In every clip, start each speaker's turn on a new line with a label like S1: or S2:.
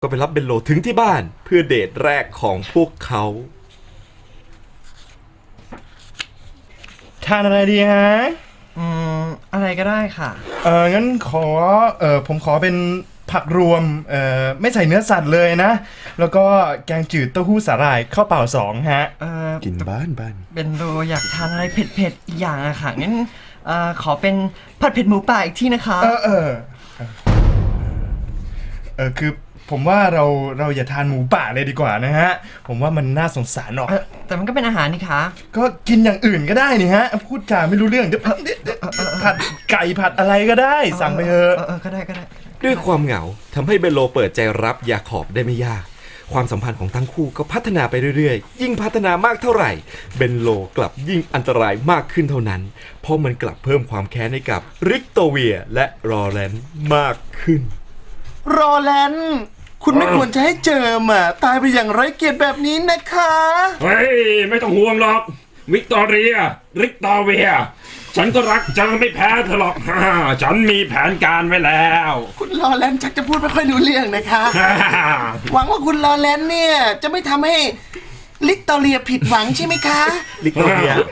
S1: ก็ไปรับเบนโลถึงที่บ้านเพื่อเดทแรกของพวกเขา
S2: ทานอะไรดีฮะ
S3: อะไรก็ได้ค่ะ
S2: งั้นผมขอเป็นผักรวมไม่ใส่เนื้อสัตว์เลยนะ แล้วก็แกงจืดเต้าหู้สาหร่ายข้าวเปล่า2ฮะ
S1: กินบ้าน
S3: เบนโดอยากทานอะไรเผ็ดๆอีกอย่างอะค่ะงั้นขอเป็นผัดเผ็ดหมูป่าอีกที่นะคะ
S2: คือผมว่าเราอย่าทานหมูป่าเลยดีกว่านะฮะผมว่ามันน่าสงสารออก
S3: แต่มันก็เป็นอาหารนี่คะ
S2: ก็กินอย่างอื่นก็ได้นี่ฮะพูดจาไม่รู้เรื่องเดี๋ยวผัดไก่ผัดอะไรก็ได้สั่งไปเถอะ
S3: ก็ได้
S1: ด้วยความเหงาทำให้เบนโลเปิดใจรับยาขอบได้ไม่ยากความสัมพันธ์ของทั้งคู่ก็พัฒนาไปเรื่อยๆยิ่งพัฒนามากเท่าไหร่เบนโลกลับยิ่งอันตรายมากขึ้นเท่านั้นเพราะมันกลับเพิ่มความแค้นให้กับริกโตเวียและรอแลนด์มากขึ้น
S4: รอแลนด์คุณไม่ควรจะให้เจิมตายไปอย่างไร้เกียรติแบบนี้นะคะ
S5: เฮ้ยไม่ต้องห่วงหรอกวิกตอเรียริกตอเวียฉันก็รักเจอไม่แพ้เธอหรอกฉันมีแผนการไว้แล้ว
S4: คุณรอแลนด์ชักจะพูดไม่ค่อยรู้เรื่องนะคะหวังว่าคุณรอแลนด์เนี่ยจะไม่ทำให้ลิกตอเรียผิดหวังใช่ไหมคะ
S1: ลิกตอเรีย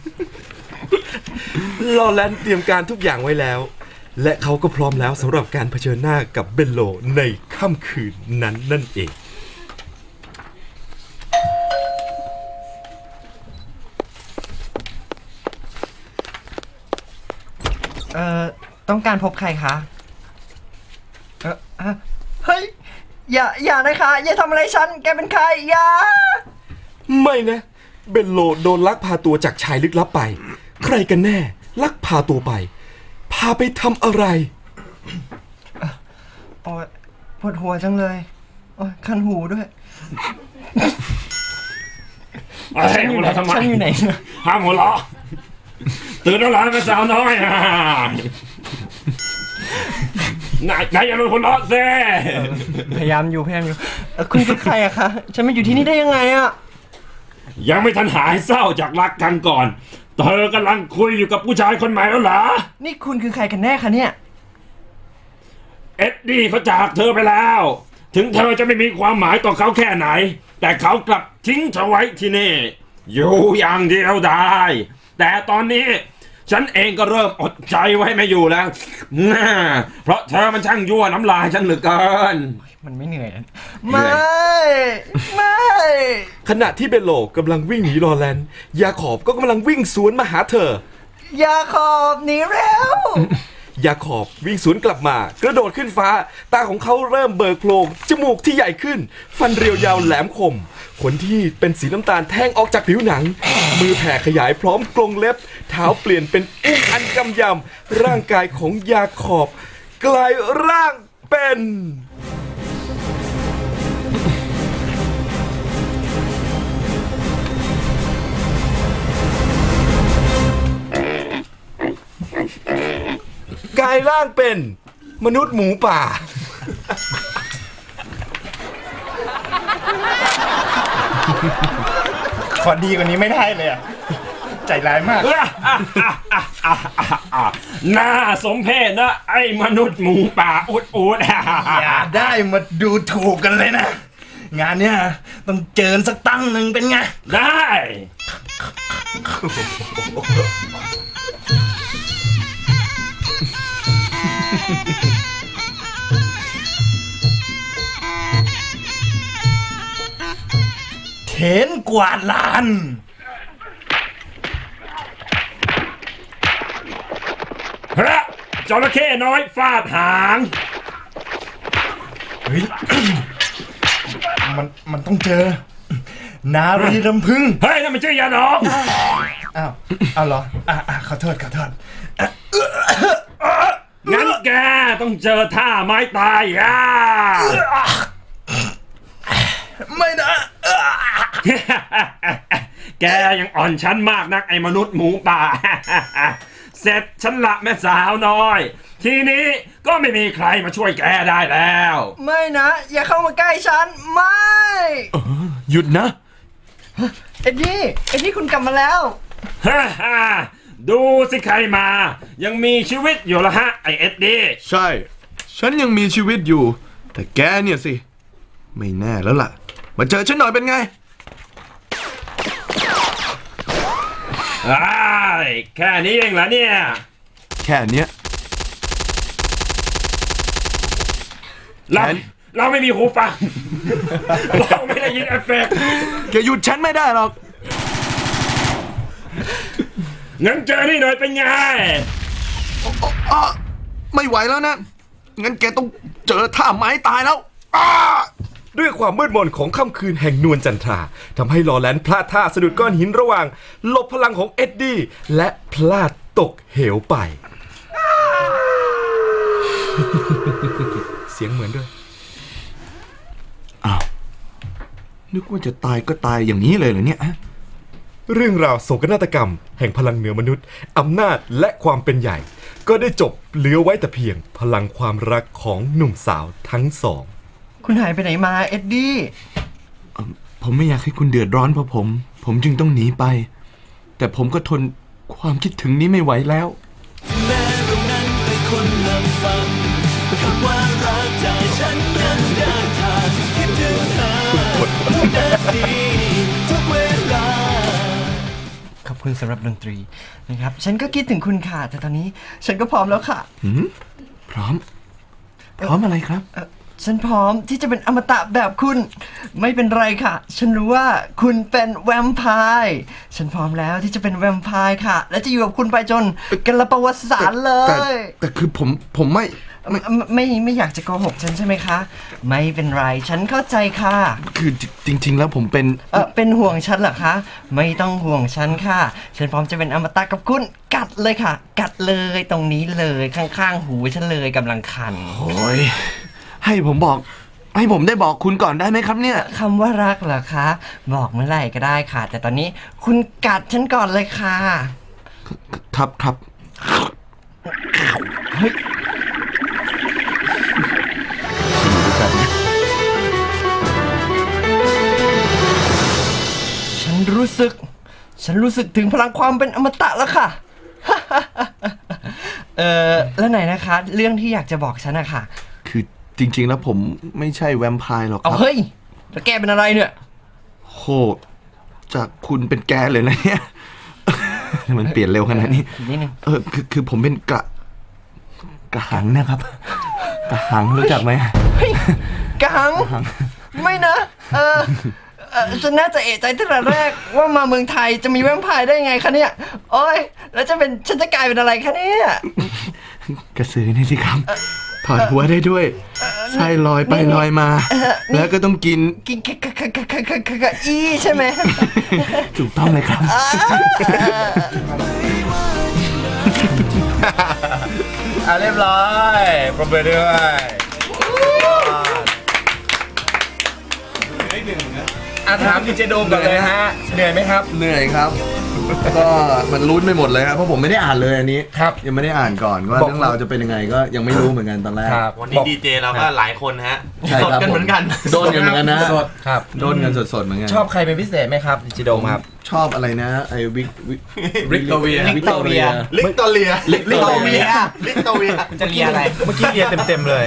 S1: รอแลนด์เตรียมการทุกอย่างไว้แล้วและเขาก็พร้อมแล้วสำหรับการเผชิญหน้ากับเบนโลในค่ำคืนนั้นนั่นเอง
S3: ต้องการพบใครคะเฮ้ยอย่านะคะอย่าทำอะไรฉันแกเป็นใครอย่า
S1: ไม่นะเบนโลโดนลักพาตัวจากชายลึกลับไปใครกันแน่ลักพาตัวไปพาไปทำอะไร
S3: โอ๊ยปวดหัวจังเลยโอ๊ยคันหูด้วย
S5: ฉันอยู่ไหน
S3: ฉันอยู่ไหน
S5: ห้ามหัวเราะตื่นแล้วหรอแม่สาวน้อยนายอย่าเป็นคนร้อนเซ่
S3: พยายามอยู่คุณคือใครอะคะฉันมาอยู่ที่นี่ได้ยังไงอะ
S5: ยังไม่ทันหายเศร้าจากรักกันก่อนเธอกำลังคุยอยู่กับผู้ชายคนใหม่แล้วเหรอ
S3: นี่คุณคือใครกันแน่คะเนี่ย
S5: เอ็ดดี้เขาจากเธอไปแล้วถึงเธอจะไม่มีความหมายต่อเขาแค่ไหนแต่เขากลับทิ้งเธอไว้ที่นี่อยู่อย่างเดียวได้แต่ตอนนี้ฉันเองก็เริ่มอดใจไว้ไม่อยู่แล้วเพราะเธอมันช่างยั่วน้ำลายฉันเหลือเกิน
S3: มันไม่เหนื่อยนะไม่
S1: ขณะที่เบนโลกำลังวิ่งหนีรอแลนด์ยาขอบก็กำลังวิ่งสวนมาหาเธ
S3: อยาขอบหนีเร็
S1: วยาขอบวิ่งสวนกลับมากระโดดขึ้นฟ้าตาของเขาเริ่มเบิกโพลงจมูกที่ใหญ่ขึ้นฟันเรียวยาวแหลมคมขนที่เป็นสีน้ำตาลแทงออกจากผิวหนังมือแผ่ขยายพร้อมกรงเล็บเท้าเปลี่ยนเป็นอุ้งอันกำยำร่างกายของยาขอบกลายร่างเป็นกลายร่างเป็นมนุษย์หมูป่า
S2: ขอดีกว่านี้ไม่ได้เลยอ่ะใจร้ายมาก
S5: น่าสมเพชนะไอ้มนุษย์หมูป่าอุด
S2: อย่าได้มาดูถูกกันเลยนะงานเนี้ยต้องเจอสักตั้งหนึ่งเป็นไง
S5: ได้
S2: เถนกวาดลาน
S5: พระจระเข้น้อยฟาดหาง
S2: เฮ้ยมันต้องเจอนารีรำพึง
S5: เฮ้ยนั่นมันชื่อยาดอง
S2: อ้าวเหรอขอโทษ
S5: งั้นแกต้องเจอท่าไม้ตาย
S2: ไม่นะ
S5: แกยังอ่อนชั้นมากนักไอ้มนุษย์หมูป่าเสร็จฉันละแม่สาวน้อยทีนี้ก็ไม่มีใครมาช่วยแกได้แล้ว
S3: ไม่นะอย่าเข้ามาใกล้ฉันไม่
S1: หยุดนะ
S3: เอ็ดดี้คุณกลับมาแล้ว
S5: ดูสิใครมายังมีชีวิตอยู่ละฮะไอเอ็ดดี้
S6: ใช่ฉันยังมีชีวิตอยู่แต่แกเนี่ยสิไม่แน่แล้วล่ะ มาเจอฉันหน่อยเป็นไง
S5: อ้ายแค่นี้เองเหรอเนี่ย
S6: แค่เนี้ย
S5: เราไม่มีหูฟัง เราไม่ได้ยินเอฟเฟกต์
S6: แกหยุดฉันไม่ได้หรอก
S5: งั้นเจอนี่หน่อยเป็นไง
S6: ไม่ไหวแล้วนะ งั้นแกต้องเจอท่าไม้ตายแล้ว
S1: ด้วยความมืดมนของค่ำคืนแห่งนวลจันทราทำให้ลอแลนพลาดท่าสะดุดก้อนหินระหว่างหลบพลังของเอ็ดดี้และพลาดตกเหวไป เสียงเหมือนด้วย
S6: นึกว่าจะตายก็ตายอย่างนี้เลยเหรอเนี่ย
S1: เรื่องราวโศกนาฏกรรมแห่งพลังเหนือมนุษย์อำนาจและความเป็นใหญ่ ก็ได้จบเหลือไว้แต่เพียงพลังความรักของหนุ่มสาวทั้งสอง
S3: คุณหายไปไหนมาเอ็ดดี้
S6: ผมไม่อยากให้คุณเดือดร้อนเพราะผมจึงต้องหนีไป แต่ผมก็ทนความคิดถึงนี้ไม่ไหวแล้ว
S3: ขอบคุณสำหรับดนตรีนะครับ ฉันก็คิดถึงคุณค่ะ แต่ตอนนี้ฉันก็พร้อมแล้วค่ะ
S6: พร้อมอะไรครับ
S3: ฉันพร้อมที่จะเป็นอมตะแบบคุณ ไม่เป็นไรค่ะ ฉันรู้ว่าคุณเป็นแวมไพร์ฉันพร้อมแล้วที่จะเป็นแวมไพร์ค่ะ และจะอยู่กับคุณไปจนกันละประวัติศาสตร์เล
S6: แต่
S3: ย
S6: แต่คือผมไม่
S3: ไม่อยากจะโกหกฉันใช่ไหมคะ ไม่เป็นไร ฉันเข้าใจค่ะ
S6: คือจริง ๆ แล้วผมเป็น
S3: เป็นห่วงฉันเหรอคะ ไม่ต้องห่วงฉันค่ะ ฉันพร้อมจะเป็นอมตะกับคุณ กัดเลยค่ะ กัดเลยตรงนี้เลยข้างๆหูฉันเลยกำลังคัน
S6: โอ้ยให้ผมได้บอกคุณก่อนได้ไหมครับเนี่ย
S3: คำว่ารักเหรอคะ บอกเมื่อไหร่ก็ได้ค่ะ แต่ตอนนี้คุณกัดฉันก่อนเลยค่ะ
S6: ครับ
S3: ฉันรู้สึกถึงพลังความเป็นอมตะแล้วค่ะ แล้วไหนนะคะ เรื่องที่อยากจะบอกฉันอะค่ะ
S6: คือจริง ๆ แล้วผมไม่ใช่แวมไพร์หรอกค
S3: เอา
S6: รับ
S3: เฮ้ย แล้วแกเป็นอะไรเนี่ย
S6: โหจากคุณเป็นแกเลยนะเนี่ย มันเปลี่ยนเร็วขนาดนี้
S3: นิดนึง
S6: คือผมเป็นกระหังนะครับ กระหังรู้จักไหม
S3: กัง ไม่นะ ฉันน่าจะเอะใจตั้งแต่แรกว่ามาเมืองไทยจะมีแวมไพร์ได้ไงคะเนี่ย โอ้ย แล้วฉันจะกลายเป็นอะไรคะเนี่ย
S6: กระสือนี่สิครับ ถอดหัวได้ด้วยไส้ลอยไปลอยมา แล้วก็ต้องกิน
S3: กินกะอีใช่ไหม
S6: ถูกต้องเลยครับ
S2: เรียบร้อยปรบมือด้วย ถามดีเจโดมก่อนเลยฮะ เหนื่อยไหมครับ
S6: เหนื่อยครับ ก็มันลุ้นไปหมดเลยครับเพราะผมไม่ได้อ่านเลยอันนี้
S2: ครับ
S6: ยังไม่ได้อ่านก่อนว่า
S2: บอก
S6: เรื่องราวจะเป็นยังไงก็ยังไม่รู้เหมือนกันตอนแรก
S7: วันนี้ดีเจเราก็หลายคนฮะ
S6: ใช่
S7: สด
S6: ครับ
S7: กันเหมือนกัน
S6: โดนกันเหมือนกันนะ
S2: สดครับ
S6: โดนกันสดๆเหมือนกัน
S2: ชอบใครเป็นพิเศษไหมครับดิจิโดมครับ
S6: ชอบอะไรนะไอ้วิก
S7: วิกโตเวีย
S6: วิกโตเวีย
S4: ลิกโตเลีย
S6: ลิกโตเวีย
S4: ลิกโตเวีย
S3: คุณจะเรียนอะไร
S2: เมื่อกี้เรียนเต็มๆเลย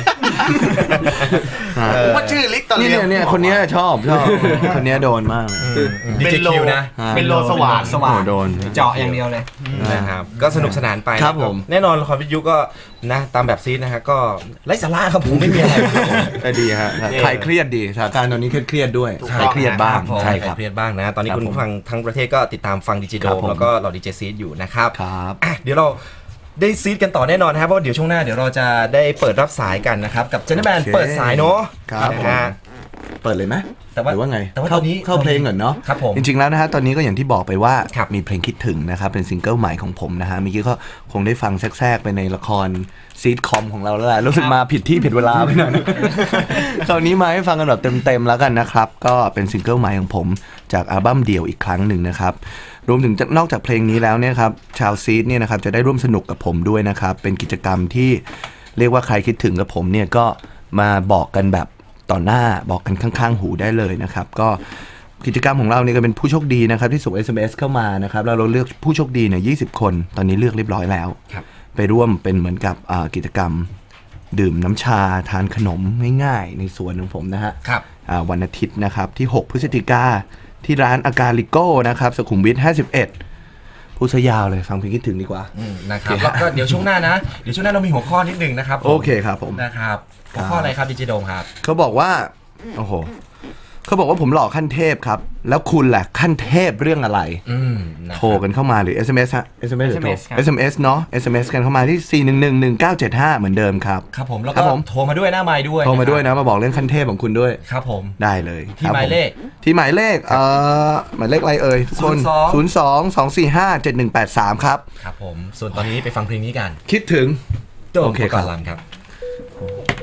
S4: ว่าชื่อลิกโตเลี
S6: เนี่ยคนเนี้ยชอบคนเนี้ยโดนมาก
S2: ดีเจคิวนะ
S4: เป็นโลสว่าง
S6: โอ้โหโดน
S3: เจาะอย่างเดียวเลย
S1: นะครับก็สนุกสนานไป
S6: ครับผม
S1: แน่นอนละครวิทยุก็นะตามแบบซีดนะฮะก็ไร้สาระครับผมไม่มีอะไรครับผม
S6: ก็ดีฮะคลายเครียดดีสถานการณ์ตอนนี้เครียดๆด้วยคลายเครียดบ้าง
S1: ใช่
S6: ใช่
S1: ค
S6: ค
S1: รั
S6: รั
S1: บบ เครียดบ้างนะ ตอนนี้
S6: ครับ
S1: คุณผู้ฟังทั้งประเทศก็ติดตามฟังดิจิโด
S6: ครับผม
S1: แล้วก็เราดีเจซีดอยู่นะครับ
S6: ครับ
S1: อ่ะเดี๋ยวเราได้ซีดกันต่อแน่นอนนะครับเพราะว่าเดี๋ยวช่วงหน้าเดี๋ยวเราจะได้เปิดรับสายกันนะครับกับเจนแมน
S6: โอเค
S1: เปิดสายเนาะ
S6: ครับ
S1: นะฮะ
S6: เปิดเลยไหม
S1: แต่ว่า
S6: หรือว่าไง
S1: แต่ว่า
S6: เข้า
S1: ตอนนี้
S6: เข้าเพลงก่อนเนาะ
S1: ครับผม
S6: จริงๆแล้วนะฮะตอนนี้ก็อย่างที่บอกไปว่า
S1: ครับ
S6: มีเพลงคิดถึงนะครับเป็นซิงเกิลใหม่ของผมนะฮะเมื่อกี้ก็คงได้ฟังแทรกๆไปในละครซีทคอมของเราแล้วแหละรู้สึกมาผิดที่ผิดเวลาไปหน่อยนะ คราวนี้มาให้ฟังกันแบบเต็มๆแล้วกันนะครับก็เป็นซิงเกิลใหม่ของผมจากอัลบั้มเดี่ยวอีกครั้งหนึ่งนะครับรวมถึงนอกจากเพลงนี้แล้วเนี่ยครับชาวซีทเนี่ยนะครับจะได้ร่วมสนุกกับผมด้วยนะครับเป็นกิจกรรมที่เรียกว่าใครคิดถึงกับผมเนี่ยก็มาบอกกันแบบต่อหน้าบอกกันข้างๆหูได้เลยนะครับก็กิจกรรมของเราเนี่ยก็เป็นผู้โชคดีนะครับที่ส่ง SMS เข้ามานะครับแล้วเราเลือกผู้โชคดีเนี่ย20 คนตอนนี้เลือกเรียบร้อยแล้ว
S1: ครับ
S6: ไปร่วมเป็นเหมือนกับกิจกรรมดื่มน้ำชาทานขนมง่ายๆในสวนของผมนะฮะ
S1: ครับ
S6: วันอาทิตย์นะครับที่ 6 พฤศจิกาที่ร้านอากาลิโก้นะครับสุขุมวิท 51 พูดซะยาวเลยฟังเพลงคิดถึงดีกว่า
S8: นะครับแล้วก็เดี๋ยวช่วงหน้านะเดี๋ยวช่วงหน้าเรามีหัวข้อนิดนึงนะครับผม
S6: โอเคครับผม
S8: นะครับหัวข้ออะไรครับดีเจโดมครับ
S6: เขาบอกว่าโอ้โหเขาบอกว่าผมหล่อขั้นเทพครับแล้วคุณแหละขั้นเทพเรื่องอะไร โทรกันเข้ามาหรือ SMS ฮะ SMS หรือโทร SMS เนาะ SMS กันเข้ามาที่ 4111975 เหมือนเดมครับ
S8: ครับผมแล้ว
S6: ครั
S8: ก็
S6: บผม
S8: โทรมาด้วยหน้าไมค์ด้วย
S6: โทรมาด้วยนะมาบอกเรื่องขั้นเทพของคุณด้วย
S8: ครับผม
S6: ได้เลย
S8: ที่
S6: ครับ
S8: หมายเลข
S6: ผมที่หมายเลขหมายเลขอะไรเอ่ยทุกคน 02-245-7183 ครับ
S8: ครับผมส่วนตอนนี้ไปฟังเพลงนี้กัน
S6: คิดถึง
S8: โดม
S6: โอเค
S8: ปก
S6: ครั
S8: ร
S6: บ
S8: ณ์ลำครับ